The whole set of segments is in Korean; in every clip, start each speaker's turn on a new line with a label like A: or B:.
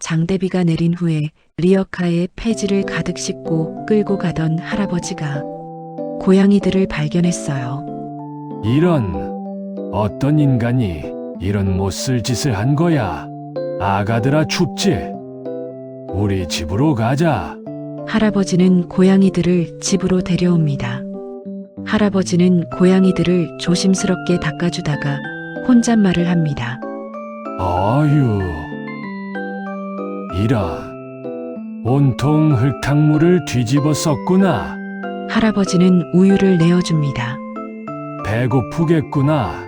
A: 장대비가 내린 후에 리어카에 폐지를 가득 싣고 끌고 가던 할아버지가 고양이들을 발견했어요.
B: 이런, 어떤 인간이 이런 못쓸 짓을 한 거야. 아가들아 춥지? 우리 집으로 가자.
A: 할아버지는 고양이들을 집으로 데려옵니다. 할아버지는 고양이들을 조심스럽게 닦아주다가 혼잣말을 합니다.
B: 어휴, 이런, 온통 흙탕물을 뒤집어 썼구나.
A: 할아버지는 우유를 내어줍니다.
B: 배고프겠구나.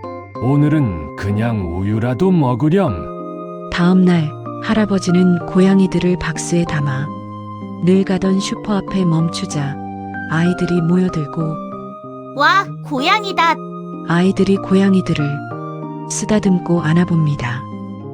B: 오늘은 그냥 우유라도 먹으렴.
A: 다음 날 할아버지는 고양이들을 박스에 담아 늘 가던 슈퍼 앞에 멈추자 아이들이 모여들고
C: 와, 고양이다.
A: 아이들이 고양이들을 쓰다듬고 안아봅니다.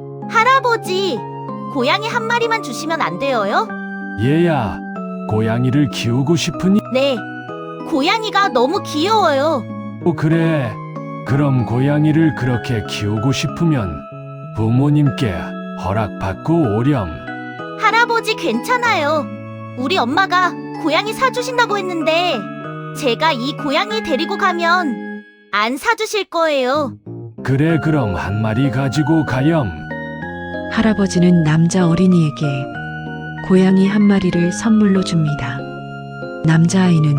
C: 할아버지, 고양이 한 마리만 주시면 안 돼요?
B: 얘야, 고양이를 키우고 싶으니?
C: 네, 고양이가 너무 귀여워요.
B: 그래. 그럼 고양이를 그렇게 키우고 싶으면 부모님께 허락받고 오렴.
C: 할아버지 괜찮아요. 우리 엄마가 고양이 사주신다고 했는데 제가 이 고양이 데리고 가면 안 사주실 거예요.
B: 그래, 그럼 한 마리 가지고 가렴.
A: 할아버지는 남자 어린이에게 고양이 한 마리를 선물로 줍니다. 남자아이는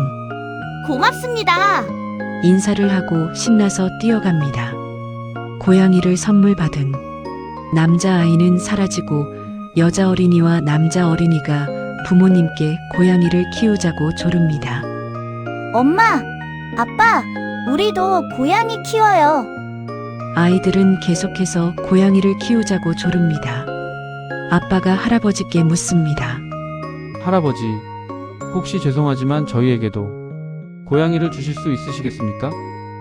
C: 고맙습니다.
A: 인사를 하고 신나서 뛰어갑니다. 고양이를 선물 받은 남자아이는 사라지고 여자 어린이와 남자 어린이가 부모님께 고양이를 키우자고 조릅니다.
C: 엄마, 아빠, 우리도 고양이 키워요.
A: 아이들은 계속해서 고양이를 키우자고 조릅니다. 아빠가 할아버지께 묻습니다.
D: 할아버지, 혹시 죄송하지만 저희에게도 고양이를 주실 수 있으시겠습니까?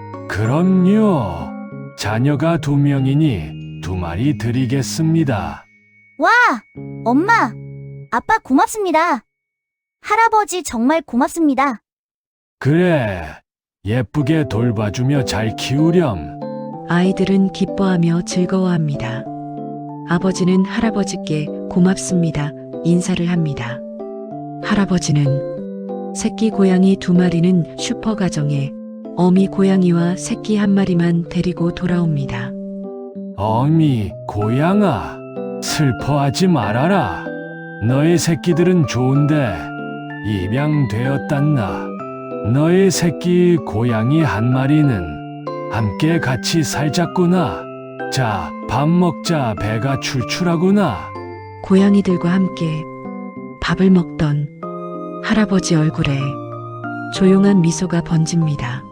B: 그럼요. 자녀가 2명이니 2마리 드리겠습니다.
C: 와, 엄마, 아빠 고맙습니다. 할아버지 정말 고맙습니다.
B: 그래, 예쁘게 돌봐주며 잘 키우렴.
A: 아이들은 기뻐하며 즐거워합니다. 아버지는 할아버지께 고맙습니다. 인사를 합니다. 할아버지는 새끼 고양이 2마리는 슈퍼 가정에 어미 고양이와 새끼 1마리만 데리고 돌아옵니다.
B: 어미, 고양아, 슬퍼하지 말아라. 너의 새끼들은 좋은데 입양되었단나. 너의 새끼 고양이 1마리는 함께 같이 살자꾸나. 자, 밥 먹자. 배가 출출하구나.
A: 고양이들과 함께 밥을 먹던 할아버지 얼굴에 조용한 미소가 번집니다.